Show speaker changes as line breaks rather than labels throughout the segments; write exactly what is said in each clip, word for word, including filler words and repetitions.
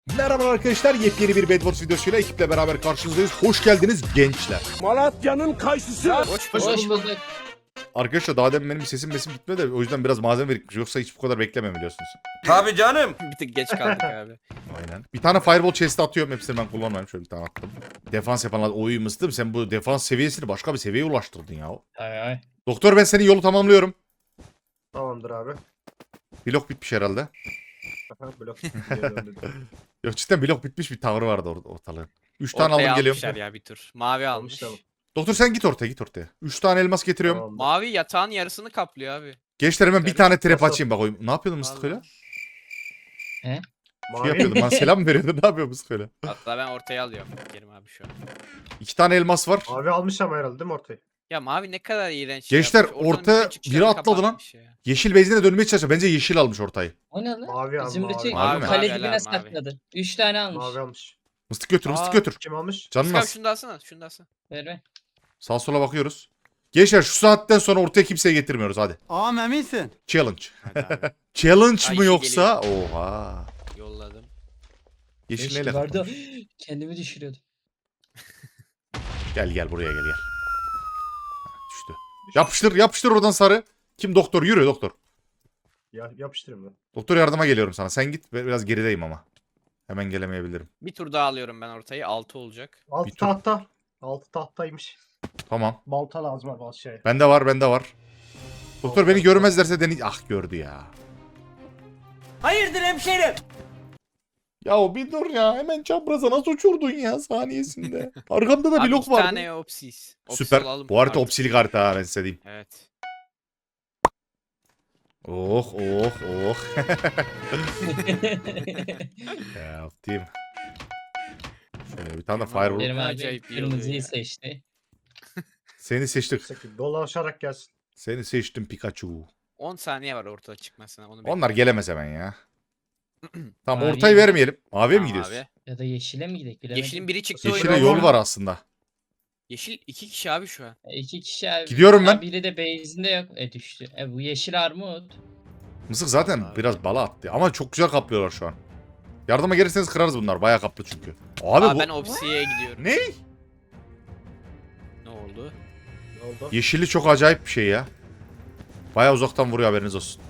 Merhaba arkadaşlar, yepyeni bir Bedwars videosuyla ekiple beraber karşınızdayız. Hoş geldiniz gençler.
Malatya'nın kayısısı.
Hoş bulduk.
Arkadaşlar daha demin benim sesim mesim gitmedi de o yüzden biraz malzeme birikmiş. Yoksa hiç bu kadar beklemem biliyorsunuz.
Tabii canım.
Bir tık geç kaldık abi.
Aynen. Bir tane fireball chest'e atıyorum. Hepsini ben kullanmayayım. Şöyle bir tane attım. Defans yapanlar oy mıstım. Sen bu defans seviyesini başka bir seviyeye ulaştırdın ya.
Ay ay.
Doktor ben senin yolu tamamlıyorum.
Tamamdır abi.
Blok bitmiş herhalde.
Aha, blok. Geri döndü.
Yok cidden blok bitmiş bir tavrı vardı or ortalığın. Üç tane aldım
Ortaya
geliyorum.
almışlar ya bir tur. Mavi almış.
Almış,
Doktor sen git ortaya git ortaya. Üç tane elmas getiriyorum.
Tamamdır.
Mavi yatağın yarısını kaplıyor abi.
Gençler hemen bir tane trap
Nasıl?
açayım bak. oy- Ne yapıyordun mıstık öyle?
Vallahi.
Şey
Mavi.
yapıyordum. Bana selam mı veriyordun? Ne yapıyor mıstık öyle?
Hatta ben ortaya alıyorum Kerim abi şu an.
İki tane elmas var.
Mavi almış ama herhalde değil mi ortayı?
Ya mavi ne kadar iğrenç şey
Gençler,
yapmış. Ortanın
orta
bütün çıkışlarını
biri atladı lan.
kapatmış ya.
Yeşil bezine dönmeye çalışıyor. Bence yeşil almış ortayı.
O ne lan?
Mavi al,
Zümrüt'ü
mavi.
Mavi mi?
kale
Mavi,
dibine
mavi.
sakladı. Üç tane almış.
Mavi almış.
Mıstık götür mıstık
Aa.
götür.
Kim almış?
Canın
Sıkar
az.
şunu da alsana. Şunu da alsana.
Ver ver.
Sağ sola bakıyoruz. Gençler şu saatten sonra ortaya kimseye getirmiyoruz hadi.
Ağam eminsin.
Challenge.
Hadi abi.
Challenge
Ay,
mı
şey
yoksa? Oha.
Yolladım.
Yeşil
Beş
neyle
vardı.
kapatmış?
Kendimi düşürüyordum.
Gel gel buraya gel gel. Ha, düştü. Yapıştır yapıştır oradan sarı. Kim doktor? Yürü doktor.
Ya, yapıştırayım ben.
Doktor yardıma geliyorum sana. Sen git ben biraz gerideyim ama. Hemen gelemeyebilirim.
Bir tur daha alıyorum ben ortayı. altı olacak.
Altı
Bir tur-
tahta. Altı tahtaymış.
Tamam.
Balta lazım abi al şey.
Bende var bende var. Doktor beni görmezlerse deney... Ah gördü ya.
Hayırdır hemşerim?
Ya bir dur ya. Hemen çapraza nasıl uçurdun ya saniyesinde. Arkamda da
Abi
blok
iki
vardı.
tane opsis. Opsis
Süper.
alalım
Bu harita
artık.
opsilik harita ha ben size diyeyim.
Evet.
Oh oh oh. Ya optim. Şöyle bir tane de fireball.
Benim abi
Acayip iyi oluyor
kırmızıyı
ya.
seçti.
Seni seçtik.
Sakın dolaşarak gelsin.
Seni seçtim Pikachu.
on saniye var ortada çıkmasına. Onu
Onlar
bekliyorum.
gelemez hemen ya. Tamam
Mavi
ortayı
mi?
vermeyelim. Maviye mi
Tamam
gidiyoruz?
abi.
Ya da yeşile mi gidelim bilemedim.
Yeşilin biri çıktı
Yeşile
oyuna.
yol var aslında.
Yeşil iki kişi abi şu an.
E, İki kişi abi.
Gidiyorum ben.
Ha, biri de base'inde yok. E düştü. E bu yeşil armut.
Mısık zaten
Abi.
biraz bala attı. Ama çok güzel kaplıyorlar şu an. Yardıma gelirseniz kırarız bunlar. Bayağı kaplı çünkü. Abi
Aa,
bu...
ben opsiye gidiyorum.
Ne?
Ne oldu?
Ne oldu?
Yeşilli çok acayip bir şey ya. Bayağı uzaktan vuruyor haberiniz olsun.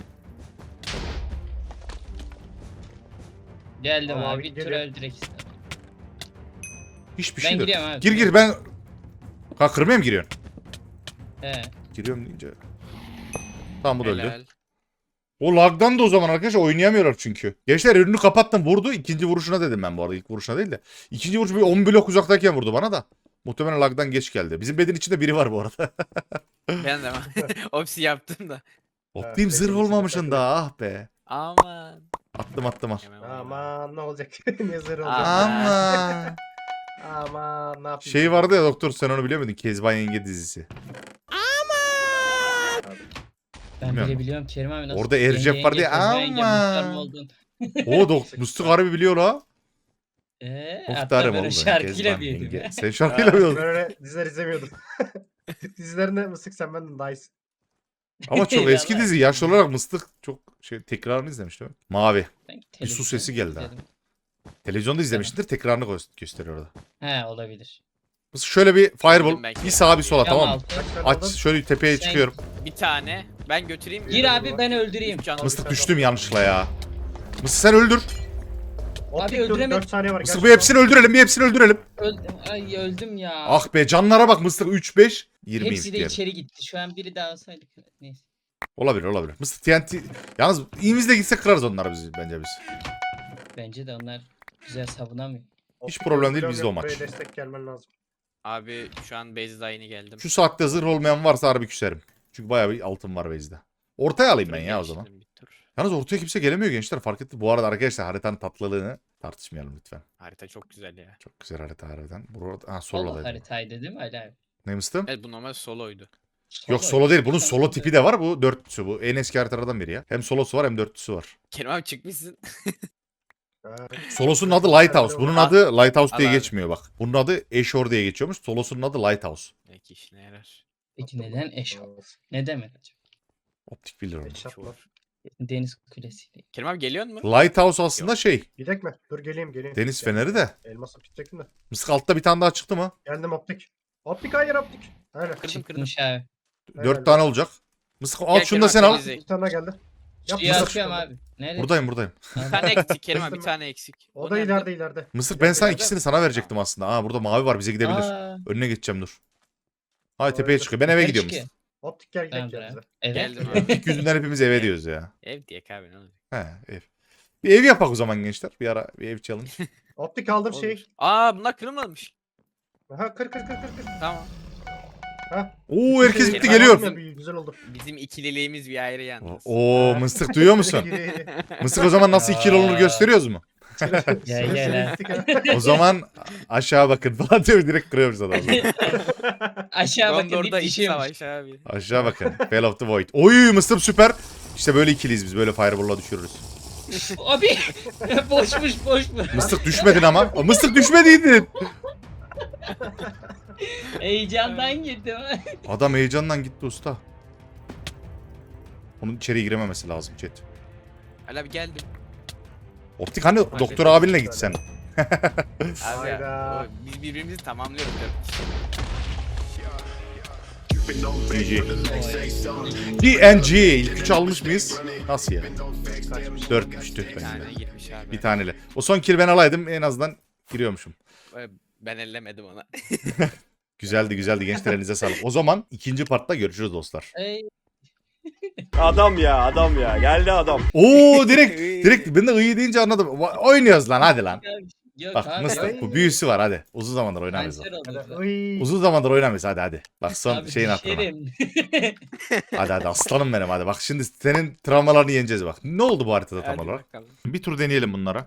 Geldim
Tamam
abi.
abi,
Bir tur
geliyor.
öldürek istedim.
Hiçbir
Ben
şey yok.
giriyorum abi.
Gir gir ben... Ha kırmaya mı giriyorsun?
He.
Giriyorum deyince... Tamam bu da öldü.
Helal.
O lagdan da o zaman arkadaşlar oynayamıyorlar çünkü. Gençler önünü kapattım vurdu. İkinci vuruşuna dedim ben bu arada. İlk vuruşuna değil de. İkinci vuruş bir on blok uzaktayken vurdu bana da. Muhtemelen lagdan geç geldi. Bizim bedin içinde biri var bu arada.
Ben de opsi yaptım da.
Optim
bedin
zırh
içinde
olmamışın
takılı.
da ah be.
Aman.
Attım attım al.
Hemen vurayım.
Aman ne olacak? ne zırh olacak?
Aa.
Ama.
Aman ne yapayım?
Şey vardı ya doktor sen onu biliyor muydun? Kezban Yenge dizisi.
Ben
Bilmiyorum.
bile biliyorum Kerim abi nasıl.
Orada Ercep
yenge
vardı ya,
yenge, kızı yenge,
ama.
muhtar mı oldun?
O dok Musluk harbi biliyor la.
Eee hatta
Muhtarım
böyle
oldu.
şarkıyla
Kezban
büyüdüm
Yenge.
ya.
Sen şarkıyla
Ben
mı oldun?
öyle diziler izlemiyordum. Dizilerinde mısık sen benden daha iyisin.
Ama çok eski
Vallahi.
dizi. Yaşlı olarak Mıstık çok şey tekrarını izlemiştim. Mavi.
Sanki
Bir su
televizyon
sesi geldi ha.
izledim.
Televizyonda izlemişsindir. Tekrarını gö- gösteriyor orada.
He olabilir.
Mıstık şöyle bir fireball.
Bildim ben
Bir
ki.
sağa bir sola
Cam
tamam mı?
altı.
Kaç tane
Aç
aldın?
şöyle tepeye
Sen-
çıkıyorum.
Bir tane. Ben götüreyim mi?
Gir abi ben öldüreyim.
Üç can-
Mıstık düştüm yanlışlıkla ya. Mıstık sen öldür.
Optik
Abi
dur,
öldüremedim.
dört saniye var.
Mıstık
gel
bu hepsini öldürelim. Bir hepsini öldürelim.
Öldüm. Ay öldüm ya.
Ah be canlara bak Mıstık üç beş. yirmi
Hepsi de
diyelim.
içeri gitti. Şu an biri daha olsaydı. Neyse.
Olabilir olabilir. Mıstık T N T. Yalnız iyimizle gitsek kırarız onları biz bence biz.
Bence de onlar güzel savunamıyor.
Hiç
Optik
problem değil,
yok,
bizde o
yok,
maç.
buraya destek gelmen lazım.
Abi şu an base'de yeni geldim.
Şu saatte zırh olmayan varsa harbi küserim. Çünkü bayağı bir altın var base'de. Ortaya alayım ben ya o zaman.
Geliştirdim bir tur.
Yalnız ortaya kimse gelemiyor gençler fark etti. Bu arada arkadaşlar haritanın tatlılığını tartışmayalım lütfen.
Harita çok güzel ya.
Çok güzel harita harbiden. Burada ha
Solo
solo
haritaydı değil mi Ali abi?
Ne mıstım?
Evet bu normal soloydu.
Yok solo değil. Bunun solo tipi de var. Bu dörtlüsü. Bu en eski haritalardan biri ya. Hem solosu var hem dörtlüsü var.
Kerim abi çıkmışsın.
Ha,
Solosunun adı Lighthouse. Bunun adı Lighthouse diye
Al abi.
geçmiyor bak. Bunun adı Ashore diye geçiyormuş. Solosunun adı Lighthouse.
Belki işine yarar.
Peki neden eş?
olmaz.
Ne demek acaba?
Optik bilir onu.
Headshot var.
Deniz kulesiyle.
Kerim abi geliyor mu?
Lighthouse aslında şey.
Gidek mi? Dur geleyim geleyim.
Deniz
Gel.
feneri de.
Elması bitecektim de.
Mısık altta bir tane daha çıktı mı?
Geldim optik. Optik hayır optik. Aynen.
Kırdım kırdım.
Çıkmış abi.
Dört
Helal
tane olacak. Mısık al
Gel
şunu da
Kerim
sen
abi,
al.
temizle.
Bir tane daha geldi. Yap,
Suya
mısır
atıyorum
şurada.
abi. Nerede?
Buradayım buradayım.
Bir tane eksik Kerim abi bir tane eksik.
O da
nerede?
ileride ileride.
Mısır ben sana
İleride.
ikisini sana verecektim aslında. Aa burada mavi var bize gidebilir.
Aa,
Önüne geçeceğim dur. Hay tepeye
Olabilir.
çıkıyor. Ben eve
kaç
gidiyorum.
ki?
Mısır.
Optik gel gidelim
Tamamdır
ya
abi.
bize.
Evet.
Geldim abi.
İlk yüzünden hepimiz eve diyoruz ya.
Ev diye abi ne olacak?
He ev. Bir ev yapak o zaman gençler. Bir ara bir ev challenge.
Optik aldım
Olur.
şey.
Aa bunlar kırılmamış.
Aha kır kır kır kır kır.
Tamam.
Ha.
Oo herkes
Şey,
gitti
ben
geliyor.
aldım ya, bir Güzel oldu.
Bizim ikililiğimiz bir ayrı yalnız.
Oo mıstık duyuyor musun?
Yedi, yedi.
Mıstık o zaman nasıl iki yıl olur gösteriyoruz mu?
Gel gel ha.
O zaman aşağı bakın falan diyor direkt kırıyoruz adamı.
Aşağı bakın
Gondor'da
deyip
iç
düşüyormuş.
savaş abi.
Aşağı bakın. Fell of the Void. Oy mıstık süper. İşte böyle ikiliyiz biz. Böyle fireball'la düşürürüz.
Abi boşmuş boşmuş.
Mıstık düşmedin ama. Aa, mıstık düşmediydin.
Heyecandan girdim.
Adam heyecandan gitti usta. Onun içeri girememesi lazım chat.
Hala bir geldim.
Optik hani doktor abinle gitsen.
Abi
Hayda.
ya, o- biz birbirimizi tamamlıyoruz.
G G. G N G. İlk üç almış mıyız? Nasıl ya? Dörtmüş tüh
Bir
bende.
tane girmiş abi.
Bir taneyle. O son kill ben alaydım en azından giriyormuşum.
Ben ellemedim ona.
Güzeldi güzeldi gençler elinize sağlık. O zaman ikinci partta görüşürüz dostlar.
Ey,
Adam ya adam ya geldi adam.
Oo direkt direkt ben de iyi deyince anladım. Va- Oynuyoruz lan hadi lan.
Yok
Bak
abi.
mıstık bu büyüsü var hadi. Uzun zamandır oynamıyoruz.
Kanser
Hadi,
olurdu.
oy.
Uzun zamandır oynamıyoruz hadi hadi. Bak son
Abi
şeyin hatırına.
düşerim.
Hadi hadi aslanım benim hadi. Bak şimdi senin travmalarını yeneceğiz bak. Ne oldu bu haritada tam
Hadi
olarak?
bakalım.
Bir tur deneyelim bunlara.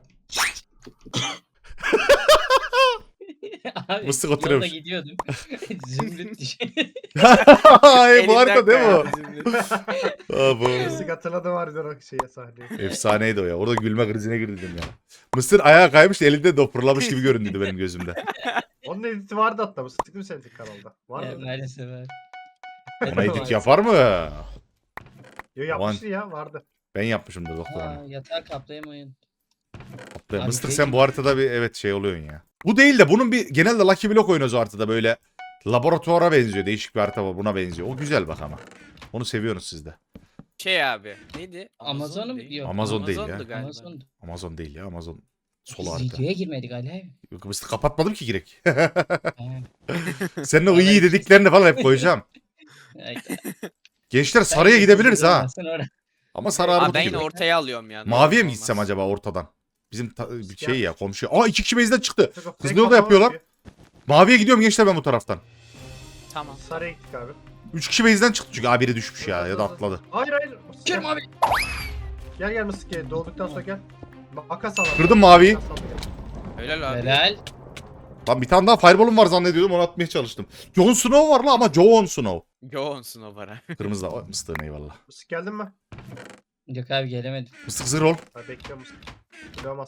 Abi,
Mıstık
yolda
oturuyormuş.
gidiyordum. Zümrüt düşüyor.
Ay bu harita değil mi o?
Elimden
Aa, bu.
Mısık hatırladım harbiden o şeye sahneyi.
Efsaneydi o ya. Orada gülme krizine girdim ya. Mısır ayağa kaymış elinde dopurlamış gibi göründü benim gözümde.
Onun editi vardı hatta. Mısık değil mi senin kanalda? Var
Ya,
mı?
maalesef abi.
Ona edit yapar mı?
Yo yapmıştı ya vardı.
Ben yapmışımdır doktor
Aa,
onu.
yatağı kaplayamayın.
Be,
Abi
Mıstık
değil
sen
mi?
bu haritada bir evet şey oluyorsun ya. Bu değil de bunun bir genelde Lucky Block oynuyoruz o haritada böyle. Laboratuvara benziyor. Değişik bir harita var. Buna benziyor. O güzel bak ama. Onu seviyorsunuz siz de.
Şey abi. Neydi?
Amazon'u
değil.
yok.
Amazon değil ya.
Amazon'du galiba.
Amazon.
Amazon değil ya. Amazon sol
Biz
harita.
videoya girmedik Ali abi.
Yok Mıstık kapatmadım ki girek.
Ha.
Senin o
Vallahi
iyi
hiç-
dediklerini falan hep koyacağım.
Ay,
Gençler sarıya gidebiliriz ha.
Olmasın orada.
Ama sarı
Aa,
armut
ben
gibi.
yine ortaya alıyorum yani.
Maviye mi
Olmaz.
gitsem acaba ortadan? Bizim ta- bir
Gel.
şey ya komşu. Aa iki kişi base'den çıktı.
Mısık o
Hızlı
fake
yolda
kafama
yapıyorlar.
bakıyor.
Maviye gidiyorum gençler ben bu taraftan.
Tamam.
Sarıya gittik abi.
Üç kişi base'den çıktı çünkü. Aa biri düşmüş ya ya da atladı.
Hayır hayır. Mısık
Kerim
gel.
abi.
Gel gel Mısık gel. Doğduktan sonra gel. Makas al. abi.
Kırdım maviyi.
Makas al, gel.
Helal abi.
Helal.
Lan bir tane daha fireball'um var zannediyordum onu atmaya çalıştım. Jon Snow var lan ama Jon Snow.
Yoğunsun o para.
Kırmızı da o mıstığın eyvallah.
Mısık geldin mi?
Yok abi gelemedim.
Mıstık zırh ol.
Ha bekliyorum Mısık. Bulamaz.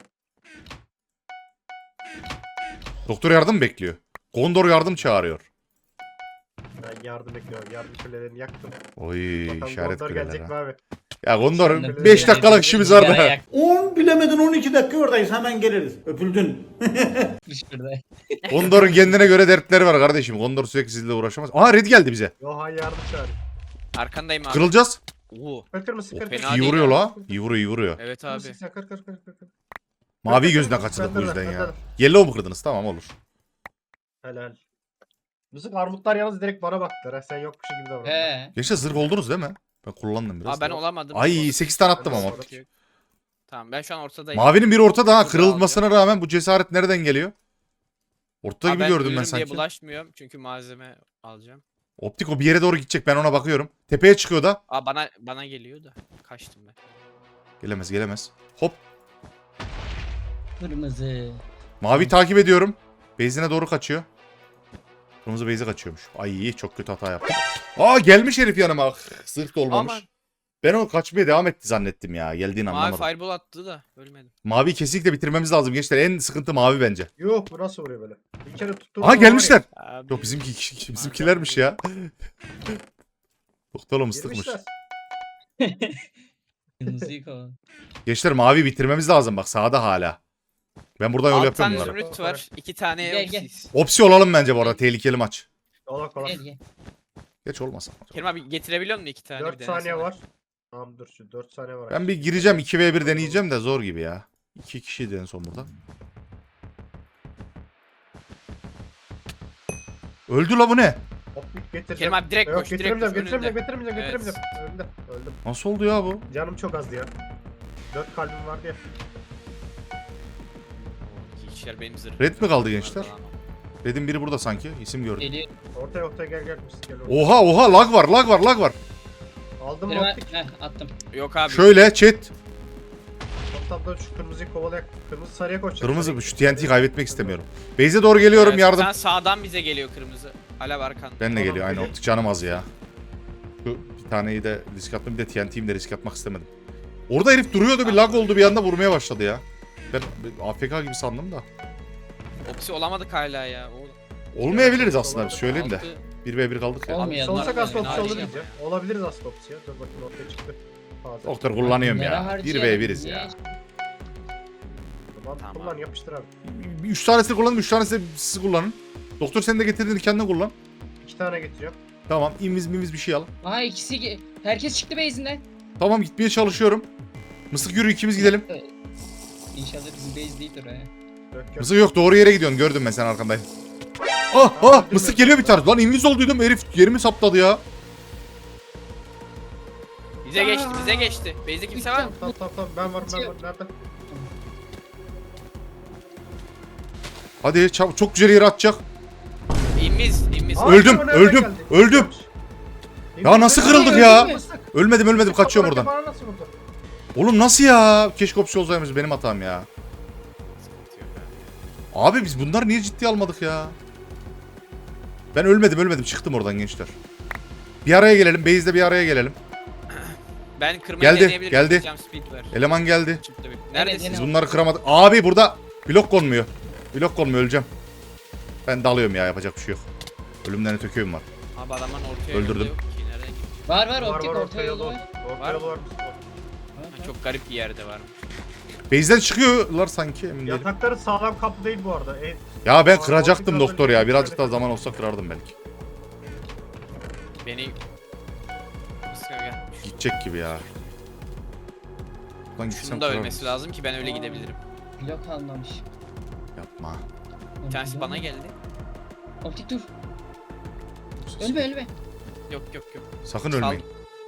Doktor yardım bekliyor. Gondor yardım çağırıyor.
Ben yardım bekliyorum. Yardım kulelerini yaktım.
Oy
Bakalım
işaret
Gondor
kuleler
gelecek mi
ha.
abi?
Ya Gondor'un
Sonra
beş dakikalık işimiz var
Sigara
da.
yak-
on bilemedin on iki dakika oradayız hemen geliriz. Öpüldün.
Yapmış burada.
Gondor'un kendine göre dertleri var kardeşim. Gondor sürekli sizinle uğraşamaz. Aa red geldi bize.
Yo ha yardım çağırıyor.
Arkandayım abi.
Kırılacağız.
Oo.
Kır kır Mısık
O
kır kır.
fena
İyi
değil
vuruyor
ha.
la. İyi vuruyor iyi vuruyor.
Evet abi.
Mısık sen kır kır kır kır. kır.
Mavi gözünden
Kır, kır,
kaçırdık
kır,
bu yüzden
kır,
ya.
kır.
Yellow mu kırdınız? Tamam olur.
Helal. Mısık armutlar yalnız direkt bana baktılar. Ha. Sen yokmuşsun gibi davranıyorsun.
He.
Gençler zırh oldunuz değil mi? Ben kullandım biraz.
Aa ben
da.
olamadım.
Ay sekiz tane attım ama.
Sonra-
Tamam ben şu an ortadayım.
Mavinin biri ortada ha.
Burada
Kırılmasına rağmen bu cesaret nereden geliyor? Ortada
Aa,
gibi
ben
gördüm ben
ölürüm diye
sanki.
bulaşmıyorum çünkü malzeme alacağım.
Optik o bir yere doğru gidecek. Ben ona bakıyorum. Tepeye çıkıyor da.
Aa bana bana geliyor da kaçtım ben.
Gelemez gelemez. Hop.
Kırmızı.
Mavi takip ediyorum. Base'ine doğru kaçıyor. Kırmızı base'e kaçıyormuş. Ay çok kötü hata yaptım. Aa gelmiş herif yanıma. Ah, Zırh da olmamış.
Aman.
Ben o kaçmaya devam etti zannettim ya. Geldiğini
Mavi
anlamadım.
fireball attı da ölmedim.
Mavi kesinlikle bitirmemiz lazım gençler. En sıkıntı mavi bence.
Yuh bu nasıl vuruyor böyle? Bir kere tuttuğum
Aha
zaman var ya,
gelmişler.
Abi.
Yok bizimki bizimkilermiş ya. Doktor mıstıkmış.
girmişler.
Kırmızıyı kovala.
Gençler mavi bitirmemiz lazım bak sağda hala. Ben buradan yol
Altı
yapıyorum
tane
bunları.
zümrüt var. iki tane
Gel, gel.
Eopsis.
Opsi olalım bence bu arada tehlikeli maç.
Ola kola.
Gel gel.
Geç olmasın.
Kerim abi getirebiliyor musun iki tane? bir
dört
denesene.
saniye var. Tamam dur şu dört saniye var.
Ben bir gireceğim iki ve bir deneyeceğim de zor gibi ya. iki kişiydi en son burada. Öldü la bu ne?
Optik getireceğim.
Kerim abi direkt
Yok
koş, direkt
getiremeyeceğim,
koş,
getiremeyeceğim,
önünde.
getiremeyeceğim,
Evet.
getiremeyeceğim. Öldüm, öldüm.
Nasıl oldu ya bu?
Canım çok azdı ya. Dört kalbim vardı ya.
İki kişiler benim zırhım.
Red mi kaldı gençler? Red'in biri burada sanki. İsim gördüm.
Geliyor.
Ortaya ortaya gel gel. Biz gel oraya.
Oha oha lag var lag var lag var.
Aldım
Kerim
optik.
abi. Heh, attım.
Yok abi.
Şöyle chat.
Ortamda şu kırmızıyı kovalayak. Kırmızı sarıya koşacak.
Kırmızı şu T N T'yi kaybetmek istemiyorum. Base'e doğru geliyorum
Evet,
yardım.
Sen sağdan bize geliyor kırmızı. Alev arkanda.
Benle
Tamam,
geliyor aynı
peki.
optik canım az ya. Şu bir taneyi de risk attım bir de T N T'yim de risk atmak istemedim. Orada herif duruyordu bir lag oldu bir anda vurmaya başladı ya. Ben A F K gibi sandım da.
Opsi olamadık hala ya. O,
Olmayabiliriz aslında biz söyleyeyim de.
altı-
bir ve bir kaldık ya.
Olmuyor.
Olsak aslında
Fena
opsiyon
değil.
olabiliriz ya. Olabiliriz aslında opsiyon. Dur bakayım ortaya çıktı. Fazla.
Doktor kullanıyorum
Nere
ya. bir
harcayalım,
ve biriz
niye?
ya.
Tamam,
Tamam.
kullan yapıştır abi.
üç tanesini kullanın üç tanesi de siz kullanın. Doktor sen de getirdiğini kendin kullan.
İki tane getiriyorum.
Tamam imiz mimiz bir şey al.
Aa ikisi ge- herkes çıktı base'inden.
Tamam gitmeye çalışıyorum. Mısık yürü ikimiz gidelim.
İnşallah bizim base değildir ha.
Dök gör.
Mısık yok doğru yere gidiyorsun gördüm ben sen arkandayım. Ah ah mısık geliyor bir tane. Lan inviz olduydum herif yerimi sapladı ya.
Bize geçti, bize geçti. Base'de kimse var mı?
Tamam tamam tamam ben varım ben varım. Nerede?
Hadi çabuk çok güzel yere atacak.
İmiz, imiz.
Aa,
Öldüm,
bu nereden
öldüm,
geldi?
öldüm. Ya nasıl kırıldık ya? Ölmedim ölmedim kaçıyorum buradan.
Bana nasıl vurdu?
Oğlum nasıl ya? Keşke opsiyon olsaymış benim hatam ya. Abi biz bunları niye ciddiye almadık ya? Ben ölmedim ölmedim çıktım oradan gençler. Bir araya gelelim base'de bir araya gelelim.
Ben kırmayı
Geldi,
deneyebilirim.
geldi.
Jump speed var.
Eleman geldi.
Çıktı bir.
Evet,
Neredesin?
Biz
yine-
bunları kıramadık. Abi burada blok konmuyor. Blok konmuyor öleceğim. Ben dalıyorum ya yapacak bir şey yok. Ölümden öte köyüm var.
Abi adamın ortaya
Öldürdüm.
yolu yok ki. Nereye gitti?
Var var
Var
optik
var
orta
orta
yolu
yolu
var.
var. Orta
Var
yolu
mı?
var.
Ha, çok garip bir yerde var.
Base'den çıkıyorlar sanki emin değilim.
Yatakları sağlam kaplı değil bu arada. E,
Ya ben
Aa,
kıracaktım
orta
doktor ya.
yolu
Birazcık daha
böyle.
zaman olsa kırardım belki.
Beni... Mısır gel.
Gidecek gibi ya. Buradan gitsem
Şunun da
kırarım.
ölmesi lazım ki ben öyle gidebilirim.
Blok almamış.
Yapma.
Bir tanesi bana geldi.
Optik dur. Ölme ölme.
Yok yok yok.
Sakın
Sal-
ölmeyin.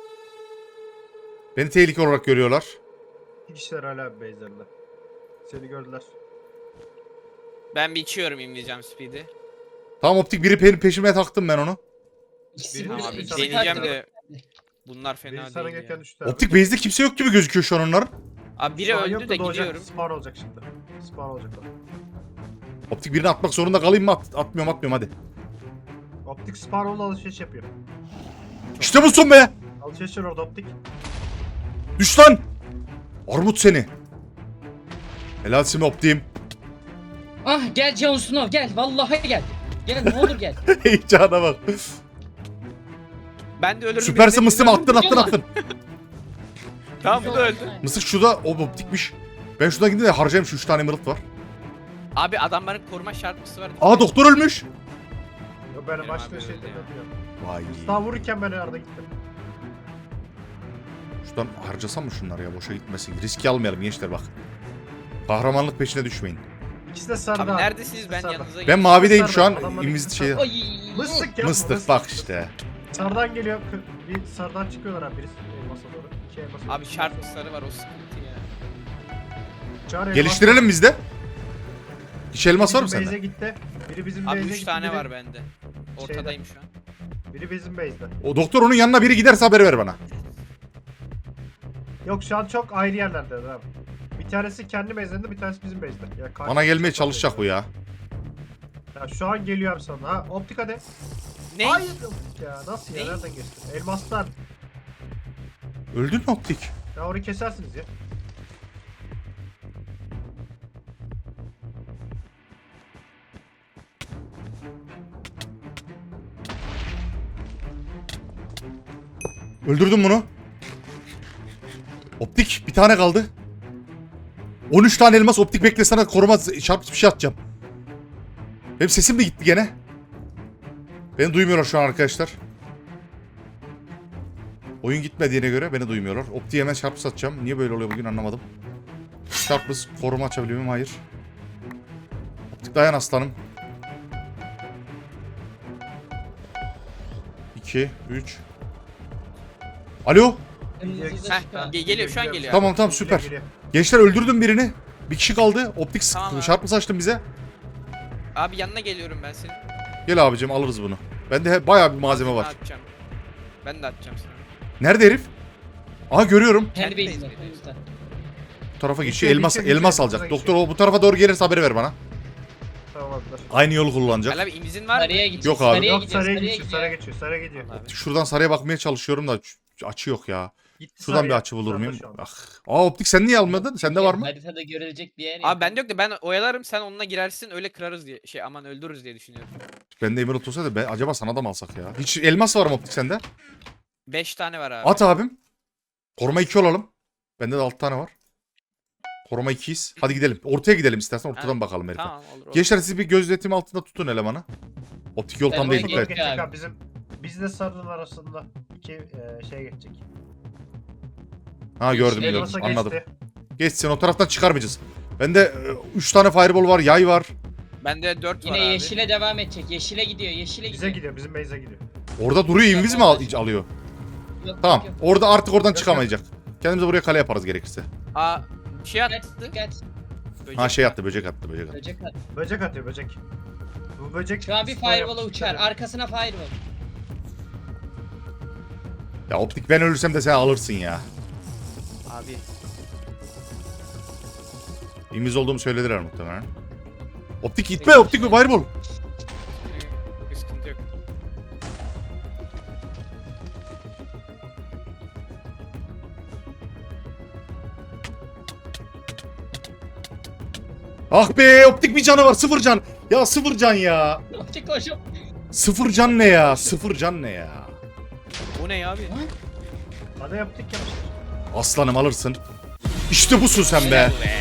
Beni tehlike olarak görüyorlar.
iki kişiler hala base'lerinde. Seni gördüler.
Ben bir içiyorum imleyeceğim speed'i.
Tamam optik biri pe- peşime taktım ben onu.
İkisi
Birini
bir-
Tamam abi
bir
ikisi
deneyeceğim
farklı.
de bunlar
Biri
fena
sana
değil
gelirken
ya.
düştü abi.
Optik base'de kimse yok gibi gözüküyor şu an onların.
Abi biri
Şu an
öldü
yok
de
da doğacak.
gidiyorum.
Spawn olacak şimdi. Spawn olacak o.
Optik birini atmak zorunda kalayım mı? At- atmıyorum atmıyorum hadi.
Optik spawn oldu alışveriş yapıyor.
İşte bu son be.
Alışveriş var orada optik.
Düş lan. Armut seni. Helal simi optiğim.
Ah gel Jon Snow gel. Vallahi gel. Gel ne olur gel.
Heyecana bak.
Ben de ölürüm.
Süpersin
birine-
mısım attın attın attın.
Tamam bu da öldü.
Mısık şurada o optikmiş. Ben şuradan gideyim de harcayayım şu üç tane mırıt var.
Abi adamların koruma şartlısı var.
Aa doktor ölmüş.
Yok ben
Benim
başka
abi
şey
öldü ya.
demiyorum.
Vay.
Daha vururken ben arada gittim.
Şuradan harcasam mı şunları ya boşa gitmesin. Riski almayalım gençler bak. Kahramanlık peşine düşmeyin.
İkisi de sarıda.
Abi
abi.
neredesiniz
İkisi de
ben
sarıda.
yanınıza
Ben
geleyim.
mavideyim şu an.
Adamlar
İmiz
ikisi
şey.
Ay.
Mıstık ya.
Mıstık bak işte.
Sarıdan geliyor. kı- Bir sarıdan çıkıyorlar abi birisi. Elmasa doğru. İki elmasa doğru.
Abi şartlısları var o sıkıntı ya.
Çağır elmas.
Geliştirelim biz de. Hiç elmas var mı
Bizim
sende?
base'e gitti. Biri bizim
Abi
base'e
üç
gitti.
tane
biri-
var bende. Ortadayım şu an.
Biri bizim base'de.
O doktor onun yanına biri giderse haber ver bana.
Yok şu an çok ayrı yerlerde abi. Bir tanesi kendi base'inde, bir tanesi bizim base'de. Ya karşı-
Bana gelmeye çalışacak bu ya.
Ya şu an geliyor abi sana. Ha optik hadi.
Ne?
Hayır optik ya. Nasıl ya?
Ne?
Nereden geçtin? Elmaslar.
Öldün mü optik?
Ya orayı kesersiniz ya.
Öldürdün bunu. Optik bir tane kaldı. on üç tane elmas optik bekle sana koruma çarpıcı bir şey atacağım. Benim sesim de gitti gene. Beni duymuyorlar şu an arkadaşlar. Oyun gitmediğine göre beni duymuyorlar. Optiğe hemen çarpı satacağım. Niye böyle oluyor bugün anlamadım. Çarpız koruma açabiliyor muyum? Hayır. Optik dayan aslanım. iki, üç. Alo.
Kırmızı da
Heh,
çıkar.
ge- geliyor şu an geliyor.
Tamam tamam süper. Gençler öldürdüm birini. Bir kişi kaldı. Optik
Tamam abi.
çarpı saçtın bize.
Abi yanına geliyorum ben senin.
Gel abicim alırız bunu. Bende he- bayağı bir malzeme
Ben
var.
atacağım. Ben de atacağım sana.
Nerede herif? Aha görüyorum.
Kendi
Kendi
base'inde.
base'inde.
usta.
Bu tarafa
Geçiyor,
geçiyor. Elmas
geçiyor,
elmas
geçiyor.
alacak.
Geçiyor.
Doktor o bu tarafa doğru gelirse haberi ver bana.
Tamamdır.
Aynı yolu kullanacak.
Ali abi imizin var mı?
Sarıya gideceğiz.
Yok abi.
Sarıya
Yok
gidiyoruz.
saraya
Sarıya
geçiyor, saraya
gidiyor.
geçiyor, saraya gidiyor.
Abi.
Şuradan saraya bakmaya çalışıyorum da ç- açı yok ya.
Gitti
Şuradan
saraya.
bir açı bulur
Sarıda
muyum?
şu an.
Ah. Aa optik sen niye almadın? Sende var mı?
Haritada görülecek bir yer yok.
Abi bende yok da ben oyalarım sen onunla girersin öyle kırarız diye şey aman öldürürüz diye düşünüyorum.
Bende Emerald olsaydı ben acaba sana da mı alsak ya? Hiç elmas var mı optik sende?
beş tane var abi.
At abim. Koruma iki olalım. Bende de altı tane var. Koruma ikiyiz. Hadi gidelim. Ortaya gidelim istersen ortadan
Ha,
bakalım herife.
Tamam olur olur.
Gençler siz bir gözetim altında tutun elemanı. Optik yol tam
Tamam,
değil
Yok,
Geçecek,
dikkat et.
geçecek
abi.
abi. Bizim bizle sarının arasında iki e, şey geçecek.
Ha gördüm
Yeşil
gördüm
Elmas'a
anladım.
geçti.
Geçsin o taraftan çıkarmayacağız. Bende üç tane fireball var, yay var.
Bende dört var
Yine
abi.
yeşile devam edecek. Yeşile gidiyor. Yeşile
Bize
gidiyor.
gidiyor, bizim base'e gidiyor.
Orada duruyor inviz mi al- alıyor?
Yok,
Tamam.
yok, yok.
Orada artık oradan
Yok,
çıkamayacak. Kendimize buraya kale yaparız gerekirse.
Aa bir şey
Dikkat,
attı.
dikkat.
Böcek
Ha şey
var.
attı, böcek attı, böcek attı.
Böcek at.
Böcek atıyor, böcek. Bu böcek...
Şu an bir
spor
firewall'a
yapmış,
uçar.
dikkat et.
Arkasına firewall.
Ya optik ben ölürsem de sen alırsın ya.
Abi
İnviz olduğumu söylediler muhtemelen. Optik gitme, optik bir fireball.
bir sıkıntı yok.
Ah be, optik bir canı var, sıfır can. Ya sıfır can ya.
Optik koşup.
Sıfır can ne ya? Sıfır can ne ya?
O ne abi?
Bana yaptık yapmışlar.
Aslanım alırsın. İşte busun sen be.
Helal be.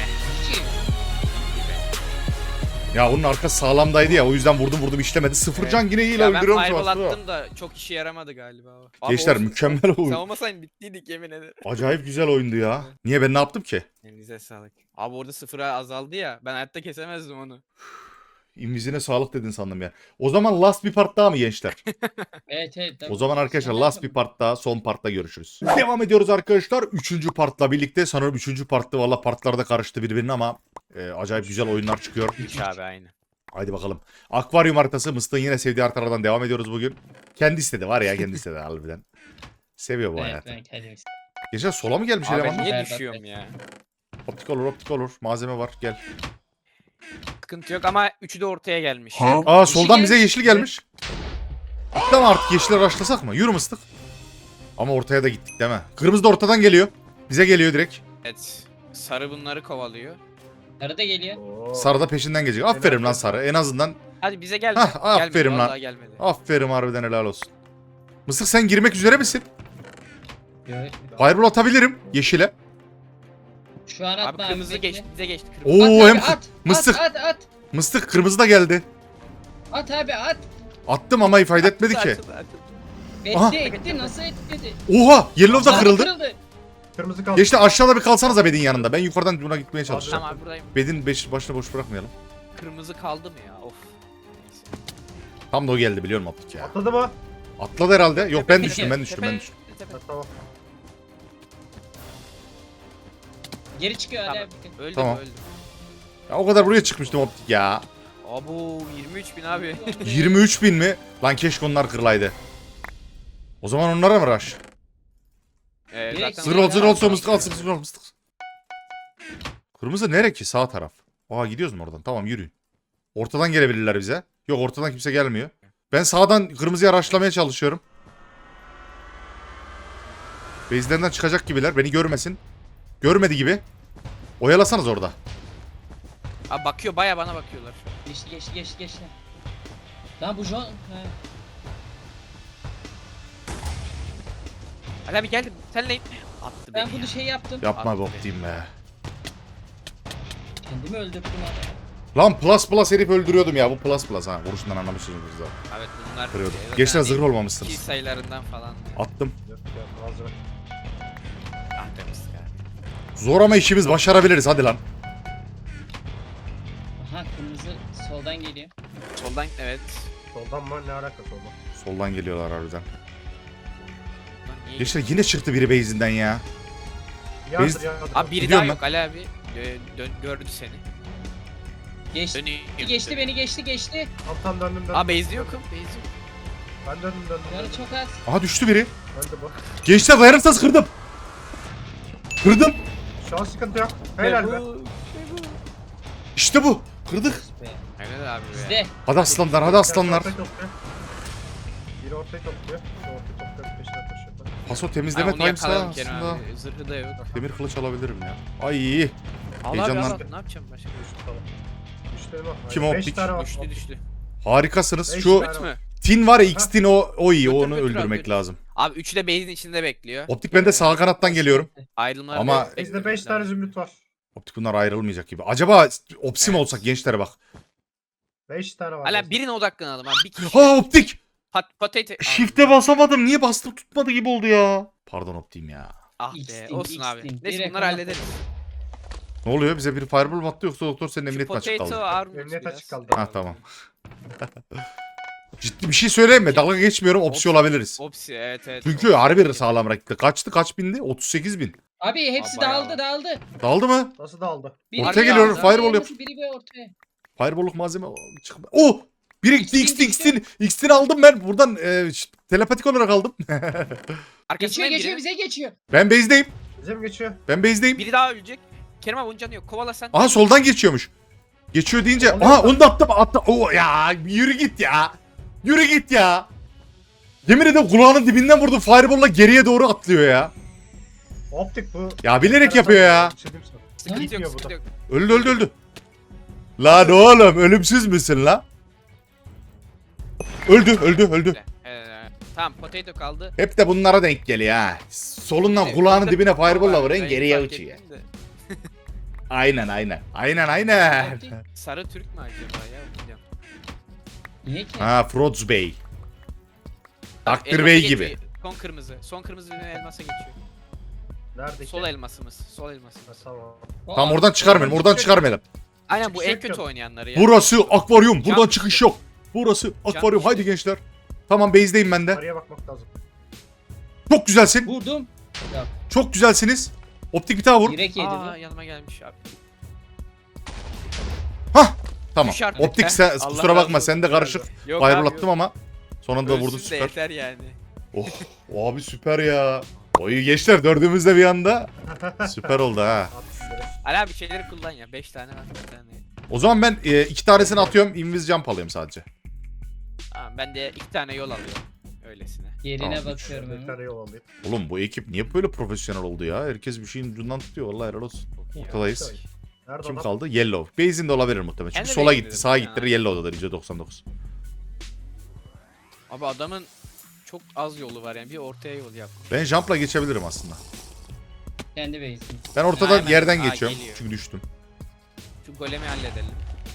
Ya onun arkası sağlamdaydı ya, o yüzden vurdum vurdum işlemedi. Sıfır
Evet.
can yine iyi
Ya ben
öldürüyorum şu
fireball
aslında.
attım da çok işe yaramadı galiba. o. Abi
Gençler
olsun.
mükemmel
Sen
oyun.
olmasaydın bittiydik yemin ederim.
Acayip güzel oyundu ya. Niye ben ne yaptım ki?
Elinize sağlık. Abi orada sıfıra azaldı ya. Ben hayatta kesemezdim onu.
İmizine sağlık dedin sandım ya. O zaman last bir part daha mı gençler?
Evet evet.
O zaman arkadaşlar last bir part daha, son partta görüşürüz. Devam ediyoruz arkadaşlar. Üçüncü partla birlikte. Sanırım üçüncü partta valla partlar da karıştı birbirine ama e, acayip güzel oyunlar çıkıyor.
üç abi aynı.
Haydi bakalım. Akvaryum haritası. Mıstık'ın yine sevdiği haritalardan devam ediyoruz bugün. Kendi istedi var ya, kendi istedi harbiden. Seviyor bu
Evet,
hayatı.
evet, hadi.
Gençler sola mı gelmiş
Abi ben
elemanlar?
niye
Evet,
düşüyorum ya?
Optik olur, optik olur. Malzeme var, gel.
Sıkıntı yok ama üçü de ortaya gelmiş.
Aa
Yeşil
soldan bize
gelmiş.
yeşil gelmiş. Tamam artık yeşile raşlasak mı? Yürü Mıstık. Ama ortaya da gittik değil mi? Kırmızı da ortadan geliyor. Bize geliyor direkt.
Evet. Sarı bunları kovalıyor.
Sarı da geliyor.
Oo.
Sarı da peşinden gelecek. Aferin lan Sarı. En azından
Hadi bize geldi.
Hah,
gelmedi,
aferin lan.
vallahi gelmedi.
aferin harbiden helal olsun. Mıstık sen girmek üzere misin?
Evet.
Fireball atabilirim yeşile.
Şu an
Abi
atma
kırmızı
bekle.
geçti, bize geçti. Kırmızı.
At
Oo
abi,
hem
at,
Mıstık.
At at at.
Mıstık kırmızı da geldi.
At abi at.
Attım ama ifade etmedi ki.
Açıldı, açıldı.
Aha.
Etti etti nasıl etti?
Oha yellow da
Sarı
kırıldı.
Kırmızı kaldı.
Geçti aşağıda bir kalsanıza Bedin yanında. Ben yukarıdan buna gitmeye çalışacağım.
Tamam abi buradayım.
Bedin beş, başına boş bırakmayalım.
Kırmızı kaldı mı ya? Of. Neyse.
Tam da o geldi biliyorum optik ya.
Atladı mı?
Atladı herhalde. Yok ben
Tepe,
düştüm ben düştüm ben
tepe,
düştüm.
tepe.
Ha, tamam.
Geri çıkıyor
Tamam.
hala.
Öldü
Tamam.
öldü.
Ya o kadar buraya çıkmıştım optik ya.
Abo yirmi üç bin abi.
yirmi üç bin mi? Lan keşke onlar kırılaydı. O zaman onlara mı rush?
Ee,
Direkt
zaten
Zır ol zır ol
Tamam.
mıstık al zır ol mıstık. Kırmızı nere ki? Sağ taraf. Aa gidiyoruz mu oradan? Tamam yürüyün. Ortadan gelebilirler bize. Yok ortadan kimse gelmiyor. Ben sağdan kırmızıya rushlamaya çalışıyorum. Base'lerinden çıkacak gibiler. Beni görmesin. Görmedi gibi. Oyalasanız orada.
Abi bakıyor baya bana bakıyorlar.
Geçti geçti geçti geçti. Lan bu John. Ha.
Ali abi geldim. Sen lane. Attı
Ben
beni
bunu
ya.
şey yaptım.
Yapma be
Attı
Opti'yim be.
Kendimi öldürdüm abi.
Lan plus plus herif öldürüyordum ya. Bu plus plus ha. Vuruşundan anlamışsınız zaten.
Evet bunlar.
Kırıyordum.
e,
Gençler
zaten
zırh
iki
olmamışsınız.
sayılarından falan.
Attım.
Yok ya hazır.
Ah temiz ya.
Zor ama işimiz başarabiliriz hadi lan.
Aha kırmızı soldan geliyor.
Soldan evet.
Soldan mı? Ne alakası oldu?
Soldan geliyorlar harbiden.
Lan niye
Gençler yine çıktı biri base'inden ya.
Yardır
Biz-
yardır.
Abi biri
Gidiyorum
daha
ben.
yok Ali abi. Dö- dön, gördü seni.
Geçti.
Dönüyor.
Geçti beni geçti geçti.
Tam tam döndüm döndüm.
Aa base'de yokum. Base'de yok.
Ben döndüm döndüm.
Canı
döndüm.
çok az.
Aha düştü biri.
Öldü bu.
Gençler dayanırsanız kırdım. Kırdım.
Şu an sıkıntı yok. Helal be.
İşte bu. Kırdık.
Be.
Helal abi be.
Bizde.
Hadi aslanlar hadi aslanlar.
Ortayı topluyor. Biri ortayı topluyor. Biri ortayı topluyor. Peşine koşuyor.
Paso
Ha,
temizleme
onu
times'ta
yakaladım Kerem
aslında.
abi. Zırhı da yok.
Demir kılıç alabilirim ya. Ay.
Al abi
Heyecanlan-
al. Ne yapacağım başka?
Tamam. Düştü mü?
Kim
Beş
optik?
tane var.
Düştü düştü.
Harikasınız.
Beş
Şu
tane.
Üç mü?
tin var ya X-tin o, o iyi.
Götür,
Onu
götür abi,
öldürmek
götür.
lazım.
Abi üçü de base'in içinde bekliyor.
Optik ben de sağ kanattan geliyorum.
Ayrılmalar
Ama-
beklemek
Bizde beş tane
lazım.
zümrüt var.
Optik bunlar ayrılmayacak gibi. Acaba opsim
Evet.
olsak gençlere bak.
Beş tane var.
Hala
bizde.
birine odaklanalım abi. Bir kişi.
Ha optik.
Pat potato.
Shift'e basamadım. Niye bastım tutmadı gibi oldu ya. Pardon optiğim ya.
Ah be
X-Team,
olsun abi.
X-Team.
Neyse
Direkt
bunları
ona-
hallederiz.
Ne oluyor? Bize bir fireball mı attı yoksa doktor senin
Şu
emniyet mi açık
potato
kaldı?
armut
Emniyet
biraz.
açık kaldı.
Ha tamam. Ciddi bir şey söyleyeyim mi? Dalga geçmiyorum. Opsi olabiliriz.
Opsi evet evet.
Çünkü
Opsi.
harbi sağlam rakipte. Kaçtı? Kaç bindi? otuz sekiz bin.
Abi hepsi
Aa, bayağı
dağıldı dağıldı.
Daldı mı?
Nasıl dağıldı?
Biri
Ortaya
bir
geliyorum,
aldı,
fireball
biri
yap.
Biri bir ortaya.
Fireball'luk malzeme çıkma. Oh! Biri gitti
X'tin,
X'tin X'tin. X'tin aldım ben. Buradan e, ş- telepatik olarak aldım.
Geçiyor
Arkasından
geçiyor
biri.
bize geçiyor.
Ben base'deyim.
Bize mi geçiyor?
Ben base'deyim.
Biri daha ölecek. Kerem abi onun canı yok. Kovala sen.
Aha soldan geçiyormuş. Geçiyor deyince.
Oluyor
Aha
mu?
onu da attım. attım. Oo ya yürü git ya. Yürü git ya. Yemin ederim kulağının dibinden vurdu. Fireball'la geriye doğru atlıyor ya.
Optik bu.
Ya bilerek yapıyor ya.
Bir şey diyeyim sana.
Sıkıntı yok
Gitmiyor bu
sıkıntı
da.
yok.
Öldü öldü öldü. Lan oğlum ölümsüz müsün la? Öldü öldü öldü.
Güzel. Evet, evet. Tamam potato kaldı.
Hep de bunlara denk geliyor ha. Solundan
Evet,
kulağının
orada-
dibine fireball'la
Var,
vurayım
ben
geriye
fark
uçuyor.
ettim de.
Aynen aynen. Aynen aynen.
Sarı Türk mü acaba ya? Bilmiyorum.
Niye ki?
Ha Froz Bey.
Bak,
Dr.
elmasa
Bey
geçiyor.
gibi.
Son kırmızı. Son kırmızı dönen elmasa geçiyor.
Nerede?
Sol elmasımız. Sol elmasımız.
Ha, tamam.
Tamam oradan çıkarmayalım. Oradan çıkarmayalım.
Aynen bu
Çıkış
en kötü
yok.
oynayanları ya.
Burası akvaryum. Buradan
Can
çıkış
işte.
yok. Burası akvaryum.
işte.
Haydi gençler. Tamam base'deyim ben de.
Araya bakmak lazım.
Çok güzelsin.
Vurdum.
Çok güzelsiniz. Optik bir daha vur.
Direkt yedi
Aa
bu.
yanıma gelmiş abi.
Hah. Tamam.
Düş artık.
Optik sen
Allah
kusura
razı
bakma
olsun.
sen de karışık.
Yok
Fireball
abi,
attım ama sonunda vurdu
Ölsün de
süper.
yeter yani.
Oh abi süper ya. Oyu gençler dördümüz de bir anda. Süper oldu ha.
At direkt.
Ali abi şeyleri kullan ya. beş tane var. bir tane.
O zaman ben e, iki tanesini atıyorum. Invis jump alayım sadece.
Tamam ben de iki tane yol alıyorum. Öylesine.
Yerine
Tamam,
bakıyorum
Bir
hemen.
tane yol alayım.
Oğlum bu ekip niye böyle profesyonel oldu ya? Herkes bir şeyin ucundan tutuyor. Vallahi helal olsun.
iyi.
Ortadayız.
Nerede
Kim
adam?
kaldı? Yellow. Base'in de olabilir muhtemelen. Çünkü
Kendi
sola
base'inde
gitti,
de
sağa
bir
gitti.
tane.
Yellow'dadır yüzde doksan dokuz.
Abi adamın çok az yolu var yani. Bir ortaya yol yap.
Ben jump'la geçebilirim aslında.
Kendi base'im.
Ben ortadan
Hemen-
yerden
Aa,
geçiyorum.
geliyor.
Çünkü düştüm.
Şu golemi halledelim.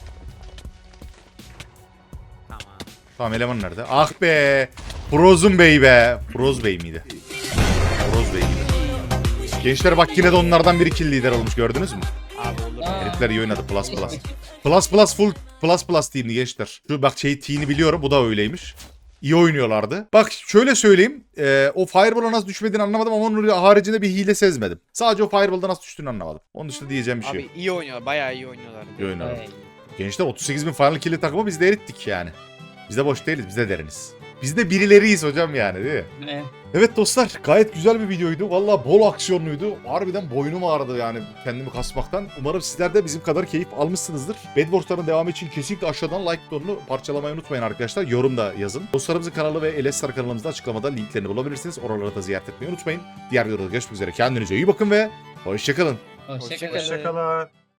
Tamam.
Tamam eleman nerede? Ah be! Frozun Bey be! Froz Bey miydi? Froz Bey miydi? Gençler bak yine de onlardan biri kill lider olmuş gördünüz mü?
Abi olur.
Aa.
Herifler iyi oynadı plus plus. Plus plus full plus plus team'li gençler. Şu bak şey team'ini biliyorum bu da öyleymiş. İyi oynuyorlardı. Bak şöyle söyleyeyim. E, o Fireball'a nasıl düşmediğini anlamadım ama onun haricinde bir hile sezmedim. Sadece o Fireball'da nasıl düştüğünü anlamadım. Onun dışında diyeceğim bir şey yok.
Abi iyi oynuyor. Bayağı iyi oynuyorlar.
İyi oynuyorlar.
Ay.
Gençler otuz sekiz bin final kill'i takımı biz de erittik yani. Biz de boş değiliz biz de deriniz. Biz de birileriyiz hocam yani değil mi?
Ne?
Evet dostlar gayet güzel bir videoydu. Valla bol aksiyonluydu. Harbiden boynum ağrıdı yani kendimi kasmaktan. Umarım sizler de bizim kadar keyif almışsınızdır. Bedwars'ların devamı için kesinlikle aşağıdan like butonunu parçalamayı unutmayın arkadaşlar. Yorum da yazın. Dostlarımızın kanalı ve Elestar kanalımızda açıklamada linklerini bulabilirsiniz. Oraları da ziyaret etmeyi unutmayın. Diğer videoda görüşmek üzere. Kendinize iyi bakın ve hoşçakalın.
Hoşçakalın.
Hoşça kalın.
Hoşçakalın.